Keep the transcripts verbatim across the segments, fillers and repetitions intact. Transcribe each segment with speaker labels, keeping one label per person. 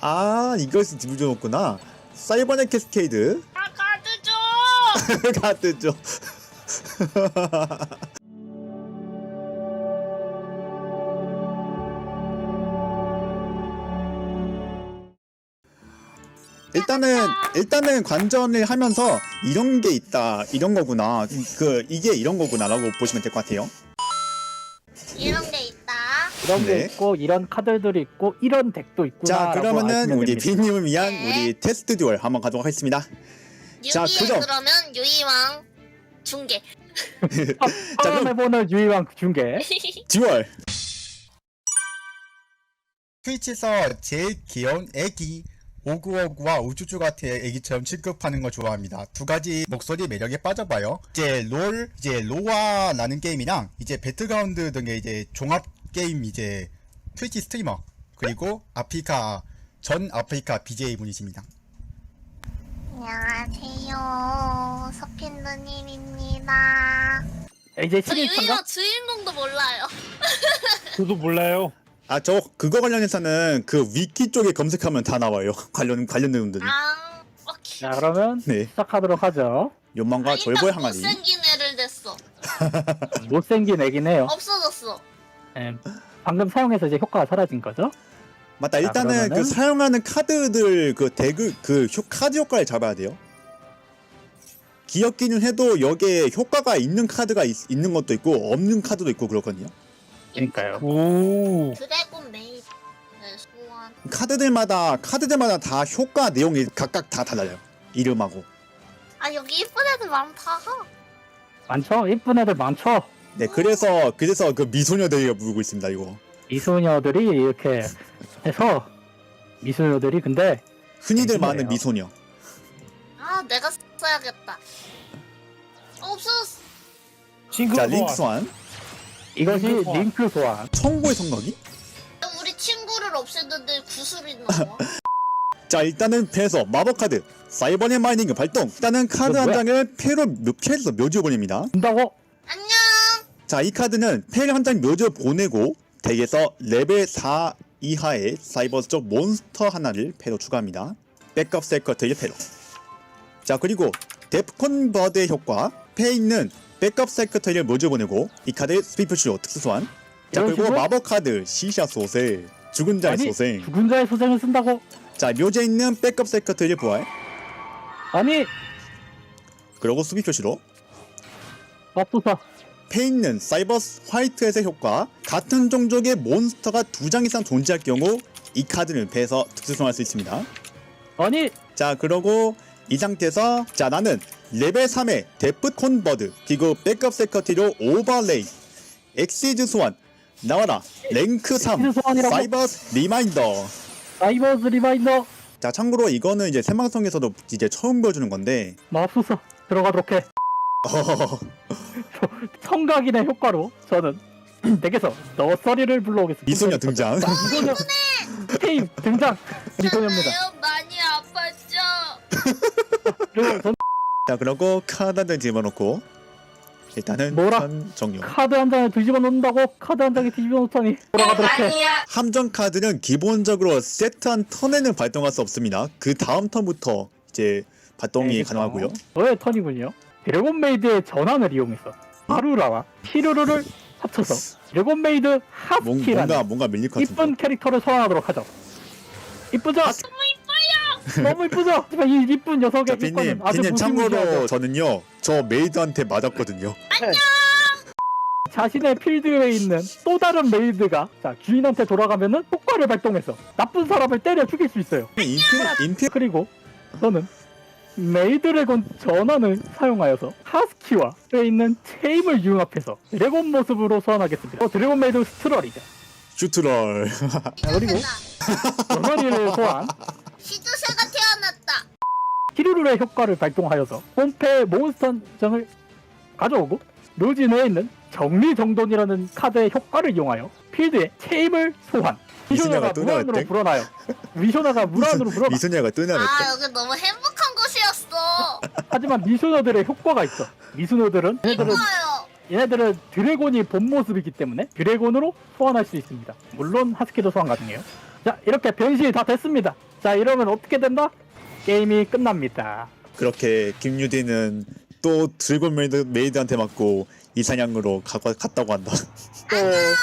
Speaker 1: 아, 이것이 집을 줘놓구나. 사이버넷 캐스케이드.
Speaker 2: 아 카드 줘.
Speaker 1: 카드 줘. 일단은 일단은 관전을 하면서 이런 게 있다, 이런 거구나, 그 이게 이런 거구나라고 보시면 될 것 같아요.
Speaker 2: 이런 게 있다.
Speaker 3: 이런 게
Speaker 1: 네.
Speaker 3: 있고 이런 카드들이 있고 이런 덱도 있구나.
Speaker 1: 자, 그러면은 우리 비님을 위한
Speaker 2: 네.
Speaker 1: 우리 테스트 듀얼 한번 가도록 하겠습니다. 자,
Speaker 2: 유기에
Speaker 1: 그럼.
Speaker 2: 그러면 유이왕 중계.
Speaker 1: 자,
Speaker 3: 처음
Speaker 1: 그럼
Speaker 3: 해보는 유희왕 중계.
Speaker 1: 듀얼. 트위치에서 제일 귀여운 애기 오구오구와 우쭈쭈 같은 애기처럼 취급하는 걸 좋아합니다. 두 가지 목소리 매력에 빠져봐요. 이제 롤, 이제 로아라는 게임이랑 이제 배틀그라운드 등의 이제 종합 게임 이제 트위치 스트리머, 그리고 아프리카 전 아프리카 비제이 분이십니다.
Speaker 2: 안녕하세요. 서핀누님입니다.
Speaker 3: 이제
Speaker 2: 저
Speaker 3: 칠일 참가?
Speaker 2: 유이왕 주인공도 몰라요.
Speaker 4: 저도 몰라요.
Speaker 1: 아, 저 그거 관련해서는 그 위키 쪽에 검색하면 다 나와요. 관련 관련 내용들이.
Speaker 2: 아, 오케이.
Speaker 3: 자 그러면
Speaker 1: 네.
Speaker 3: 시작하도록 하죠.
Speaker 1: 욕망과
Speaker 2: 아,
Speaker 1: 졸보의
Speaker 2: 일단
Speaker 1: 항아리.
Speaker 2: 못생긴 애를 냈어.
Speaker 3: 못생긴 애긴 해요.
Speaker 2: 없어졌어.
Speaker 3: 예, 방금 사용해서 이제 효과가 사라진 거죠.
Speaker 1: 맞다.
Speaker 3: 자,
Speaker 1: 일단은
Speaker 3: 그러면은-
Speaker 1: 그 사용하는 카드들 그 대그 그 효, 카드 효과를 잡아야 돼요. 기억기는 해도 여기에 효과가 있는 카드가 있, 있는 것도 있고 없는 카드도 있고 그렇거든요.
Speaker 3: 그러니까요.
Speaker 4: 오.
Speaker 2: 드래곤 메이드 네, 소환.
Speaker 1: 카드들마다 카드들마다 다 효과 내용이 각각 다 달라요. 이름하고.
Speaker 2: 아 여기 이쁜 애들 많다.
Speaker 3: 많죠? 이쁜 애들 많죠?
Speaker 1: 네, 그래서 그래서 그 미소녀들이 부르고 있습니다. 이거
Speaker 3: 미소녀들이 이렇게 해서 미소녀들이 근데
Speaker 1: 흔히들
Speaker 3: 미소녀예요.
Speaker 1: 많은 미소녀.
Speaker 2: 아 내가 써야겠다. 어, 없어졌어.
Speaker 4: 싱크
Speaker 1: 자,
Speaker 4: 소환.
Speaker 1: 링크 소환.
Speaker 3: 이것이
Speaker 4: 링크 소환.
Speaker 3: 링크 소환.
Speaker 1: 청보의 성너기.
Speaker 2: 우리 친구를 없앴는데 구슬이 나와.
Speaker 1: 자, 일단은 패에서 마법 카드 사이버넷 마이닝 발동. 일단은 카드
Speaker 3: 이거
Speaker 1: 한
Speaker 3: 뭐야?
Speaker 1: 장을 패로 패에서 묘지에 보냅니다.
Speaker 3: 준다고?
Speaker 2: 안녕.
Speaker 1: 자, 이 카드는 패를 한 장 묘지에 보내고 덱에서 레벨 사 이하의 사이버 쪽 몬스터 하나를 패로 추가합니다. 백업 세커트의 패로. 자, 그리고 데프콘 버드의 효과. 패에 있는 백업 세커트를 묘지에 보내고 이 카드의 스피프쇼 특수 소환. 자,
Speaker 3: 이런
Speaker 1: 그리고
Speaker 3: 식으로?
Speaker 1: 마법 카드 시샤 소생, 죽은 자의
Speaker 3: 아니
Speaker 1: 소생.
Speaker 3: 죽은 자의 소생을 쓴다고?
Speaker 1: 자, 묘지에 있는 백업 세커트의 부활.
Speaker 3: 아니
Speaker 1: 그리고 수비 표시로
Speaker 3: 맙소사.
Speaker 1: 패에 있는 사이버 화이트햇의 효과. 같은 종족의 몬스터가 두 장 이상 존재할 경우 이 카드를 패에서 특수 소환할 수 있습니다.
Speaker 3: 아니
Speaker 1: 자, 그러고 이 상태에서 자, 나는 레벨 삼의 데프 콘버드 그리고 백업 세커티로 오버레이 엑시즈 소환 나와라. 랭크 삼
Speaker 3: 엑시즈 소환이라고?
Speaker 1: 사이버 리마인더.
Speaker 3: 사이버스 리마인더.
Speaker 1: 자, 참고로 이거는 이제 생방송에서도 이제 처음 보여주는 건데
Speaker 3: 맙소사. 들어가도록 해.
Speaker 1: 어,
Speaker 3: 청각인의 효과로 저는 덱에서 너서리를 불러오겠습니다.
Speaker 1: 미소녀 등장.
Speaker 3: 자, 미소녀 테임 등장. 미소녀입니다.
Speaker 2: 괜찮아요? 많이 아팠죠?
Speaker 3: 그리고 전
Speaker 1: 자, 그러고 카드 한 장 집어넣고 일단은
Speaker 3: 뭐라?
Speaker 1: 턴 종료.
Speaker 3: 카드 한 장을 뒤집어 놓는다고? 카드 한 장에 뒤집어 놓다니. 돌아가도록 해.
Speaker 2: 아니야.
Speaker 1: 함정 카드는 기본적으로 세트한 턴에는 발동할 수 없습니다. 그 다음 턴부터 이제 발동이
Speaker 3: 네,
Speaker 1: 가능하고요.
Speaker 3: 저의 턴이군요. 드래곤 메이드의 전환을 이용해서 하루라와 히루루를 합쳐서 드래곤 메이드
Speaker 1: 뭔,
Speaker 3: 하스키라는
Speaker 1: 뭔가 뭔가 밀릴 것 같은데.
Speaker 3: 이쁜 캐릭터를 소환하도록 하죠. 이쁘죠?
Speaker 2: 너무 이뻐요.
Speaker 3: 너무 이쁘죠? 하지만 이 이쁜 녀석의
Speaker 1: 자, 빈님,
Speaker 3: 효과는 아주
Speaker 1: 빈님 참고로
Speaker 3: 무시무시하죠.
Speaker 1: 저는요, 저 메이드한테 맞았거든요.
Speaker 3: 자신의 필드에 있는 또 다른 메이드가 자 주인한테 돌아가면은 효과를 발동해서 나쁜 사람을 때려 죽일 수 있어요.
Speaker 1: 인피, 인피,
Speaker 3: 그리고 저는 메이드래곤 전환을 사용하여서 하스키와 에 있는 체임을 융합해서 드래곤 모습으로 소환하겠습니다. 어, 드래곤 메이드 스트럴이죠.
Speaker 1: 슈트럴.
Speaker 3: 그리고 전환이를 소환
Speaker 2: 시두새가 태어났다.
Speaker 3: 히루루의 효과를 발동하여서 홈페 몬스터 한 장을 가져오고 묘지 내에 있는 정리정돈이라는 카드의 효과를 이용하여 필드에 체임을 소환.
Speaker 1: 미소녀가
Speaker 3: 미소녀가
Speaker 1: 또
Speaker 3: 무한으로
Speaker 1: 나왔대?
Speaker 3: 불어나요. 미소녀가 무한으로 불어나.
Speaker 1: 미소녀가 뜨냐랬대.
Speaker 2: 아 여기 너무 행복한 곳이었어.
Speaker 3: 하지만 미소녀들의 효과가 있어. 미소녀들은 얘네들은
Speaker 2: 이뻐요.
Speaker 3: 얘네들은 드래곤이 본 모습이기 때문에 드래곤으로 소환할 수 있습니다. 물론 하스키도 소환 가능해요. 자, 이렇게 변신이 다 됐습니다. 자, 이러면 어떻게 된다? 게임이 끝납니다.
Speaker 1: 그렇게 김유디는 또 드래곤 메이드, 메이드한테 맞고 이사냥으로 가, 갔다고 한다. 또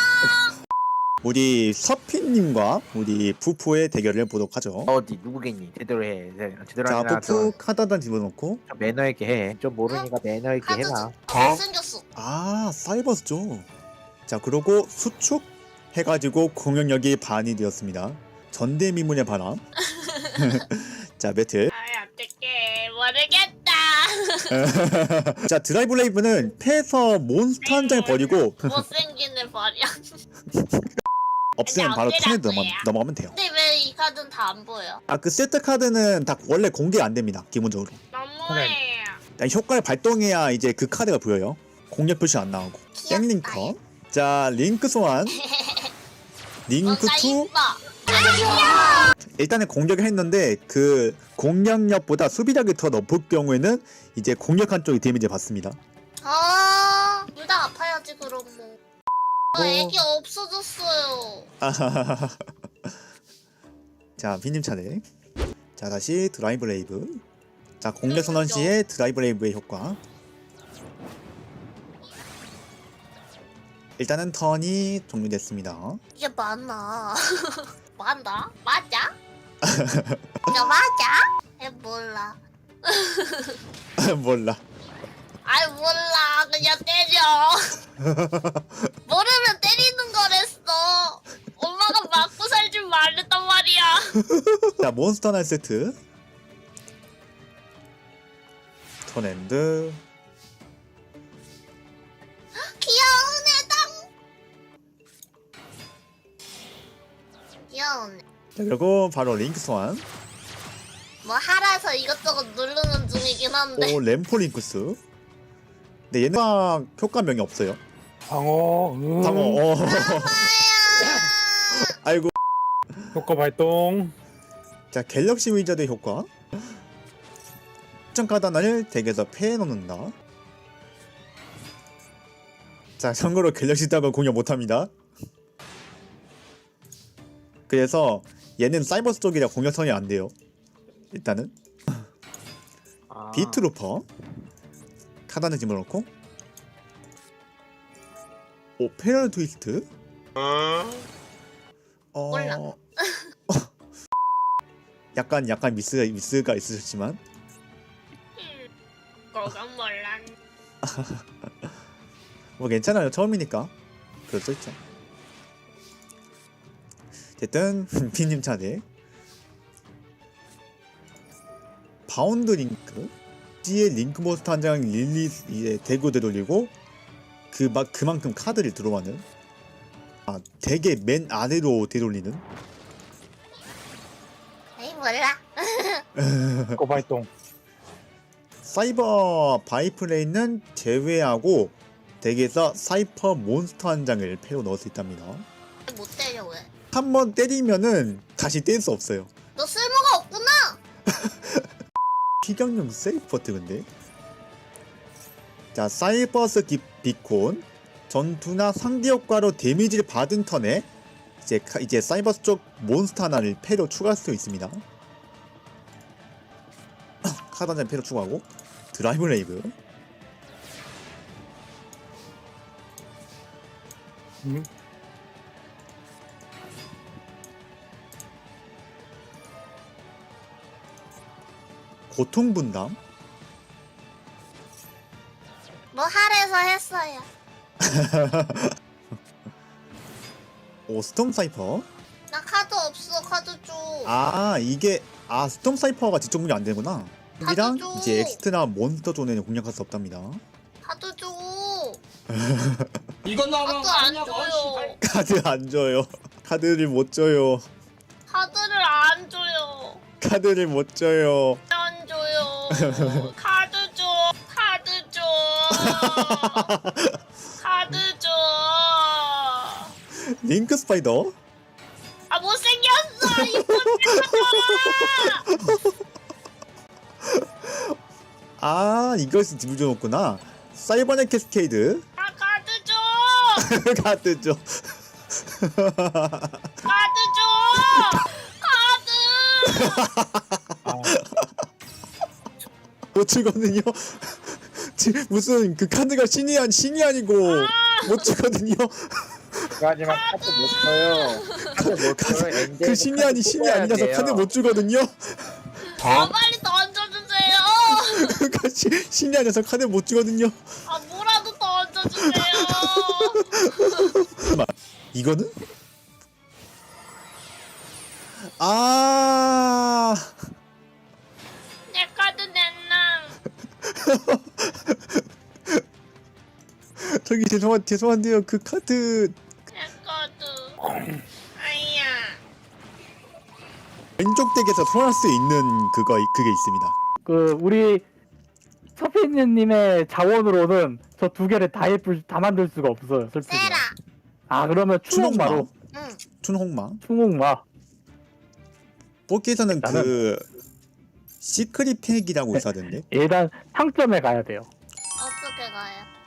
Speaker 1: 우리 서피님과 우리 푸푸의 대결을 보도록 하죠.
Speaker 5: 어디 누구겠니? 제대로 해. 제대로
Speaker 1: 자,
Speaker 5: 하냐?
Speaker 1: 푸푸 카드단 집어넣고.
Speaker 5: 좀 매너 있게 해. 좀 모르니까 매너 있게
Speaker 2: 카드
Speaker 5: 해라.
Speaker 2: 아, 못생겼어.
Speaker 1: 아, 사이버스죠. 자, 그러고 수축 해가지고 공격력이 반이 되었습니다. 전대미문의 바람. 자, 배틀.
Speaker 2: 아, 어떡해. 모르겠다.
Speaker 1: 자, 드라이브 레이브는 패에서 몬스터 한 장을 버리고
Speaker 2: 못생긴 애 말이야.
Speaker 1: 없으면 바로
Speaker 2: 근데
Speaker 1: 턴에
Speaker 2: 어쩌라고요?
Speaker 1: 넘어, 넘어가면 돼요.
Speaker 2: 근데 왜 이 카드는 다 안 보여?
Speaker 1: 아, 그 세트 카드는 다 원래 공개 안 됩니다. 기본적으로.
Speaker 2: 너무해.
Speaker 1: 일단 효과를 발동해야 이제 그 카드가 보여요. 공략 표시 안 나오고. 땡링커. 자, 링크 소환. 링크
Speaker 2: 뭔가
Speaker 1: 투.
Speaker 2: 이뻐.
Speaker 1: 일단은 공격을 했는데 그 공략력보다 수비력이 더 높을 경우에는 이제 공격한 쪽이 데미지 받습니다.
Speaker 2: 아, 둘 다 아파야지 그럼 뭐. 아,
Speaker 1: 뭐.
Speaker 2: 애기 없어졌어요.
Speaker 1: 아하하하. 자, 비님 차례. 자, 다시 드라이브 레이브. 자, 공격 선언 시에 드라이브 레이브의 효과. 일단은 턴이 종료됐습니다.
Speaker 2: 이게 맞나? 맞나? 맞아? 이거 맞아? 에 몰라.
Speaker 1: 몰라.
Speaker 2: 아이 몰라. 그냥 때려. 모르면 때리는 거랬어. 엄마가 맞고 살 줄 말랬단 말이야.
Speaker 1: 자, 몬스터 날 세트. 턴엔드.
Speaker 2: 귀여운 애당. 귀여운 애.
Speaker 1: 자, 그리고 바로 링크 소환.
Speaker 2: 뭐 하라서 이것저것 누르는 중이긴 한데.
Speaker 1: 오, 램포 링크스. 근데 얘는 효과- 효과명이 없어요.
Speaker 4: 방어. 음.
Speaker 1: 방어. 어. 아이고.
Speaker 4: 효과 발동.
Speaker 1: 자, 갤럭시 위저드 효과. 특정 카드 하나를 덱에서 패해 놓는다. 자, 참고로 갤럭시 덱은 공격 못합니다. 그래서 얘는 사이버스 쪽이라 공격선이 안 돼요. 일단은
Speaker 5: 아,
Speaker 1: 비트루퍼 카드 하나 집어넣고. 오, 페럴 트위스트. 어...
Speaker 2: 몰라.
Speaker 1: 약간 약간 미스가 미스가 있으셨지만
Speaker 2: 그건 몰라.
Speaker 1: 뭐 괜찮아요. 처음이니까 그럴 수 있죠. 어쨌든 피님 차례. 바운드 링크. C의 링크 몬스터 한 장 릴리스 이제 대구 되돌리고 그 막 그만큼 카드를 들어가는. 아, 덱의 맨 아래로 되돌리는.
Speaker 2: 에이 몰라.
Speaker 4: 효과 발동.
Speaker 1: 사이버 바이플레이는 제외하고 덱에서 사이퍼 몬스터 한 장을 패로 넣을 수 있답니다.
Speaker 2: 못 때려 왜?
Speaker 1: 한 번 때리면은 다시 뗄 수 없어요.
Speaker 2: 너 쓸모가 없구나.
Speaker 1: 피격용 세이퍼트 근데. 자, 사이버스 기, 비콘 전투나 상대 효과로 데미지를 받은 턴에 이제 카- 이제 사이버스 쪽 몬스터 하나를 패로 추가할 수 있습니다. 카드 한 장 패로 추가하고 드라이브 레이브.
Speaker 4: 음.
Speaker 1: 고통 분담.
Speaker 2: 뭐 하래서 했어요.
Speaker 1: 오, 스톰 사이퍼.
Speaker 2: 나 카드 없어. 카드 줘.
Speaker 1: 아, 이게 아 스톰 사이퍼가 직접 공격 안 되구나. 이랑
Speaker 2: 줘.
Speaker 1: 이제 엑스트라 몬스터 존에는 공략할 수 없답니다.
Speaker 2: 카드 줘.
Speaker 6: 이건 나랑
Speaker 2: 카드 안 줘요.
Speaker 1: 카드 안 줘요. 카드를 못 줘요.
Speaker 2: 카드를 안 줘요.
Speaker 1: 카드를 못 줘요.
Speaker 2: 안 줘요. 카드 줘. 카드 줘. 카드 줘.
Speaker 1: 링크 스파이더.
Speaker 2: 아 못생겼어. 이거
Speaker 1: 아, 이것이 집어넣었구나. 사이버넷 캐스케이드.
Speaker 2: 아 카드 줘.
Speaker 1: 카드 줘.
Speaker 2: 카드 줘.
Speaker 4: 아,
Speaker 1: 못 주거든요. 지- 무슨 그 카드가 신이 아니 신이 아니고 못 주거든요.
Speaker 5: 하지만 카드 못 써요. 카드 못 써요. 엔젤도
Speaker 1: 그 신이
Speaker 5: 카드
Speaker 1: 아니 신이
Speaker 5: 뽑아야
Speaker 1: 아니라서
Speaker 5: 돼요.
Speaker 1: 카드 못 주거든요.
Speaker 2: 아 빨리 던져주세요.
Speaker 1: 그러니까 시, 신이 아니라서 카드 못 주거든요.
Speaker 2: 아 뭐라도 던져주세요.
Speaker 1: 이거는? 아
Speaker 2: 내 카드 냈랑.
Speaker 1: 저기 죄송한 죄송한데요. 그 카드
Speaker 2: 내 카드. 아이야.
Speaker 1: 왼쪽 덱에서 소환할 수 있는 그거 그게 있습니다.
Speaker 3: 그 우리 서피니님의 자원으로는 저 두 개를 다 예쁠 다 만들 수가 없어요. 슬프게.
Speaker 2: 세라.
Speaker 3: 아 그러면 충홍마로
Speaker 2: 응.
Speaker 1: 춘홍망.
Speaker 3: 충홍마.
Speaker 1: 뽑기에서는
Speaker 3: 나는-
Speaker 1: 그 시크릿 팩이라고 있어야 되는데.
Speaker 3: 일단 상점에 가야 돼요.
Speaker 2: 어떻게 가요?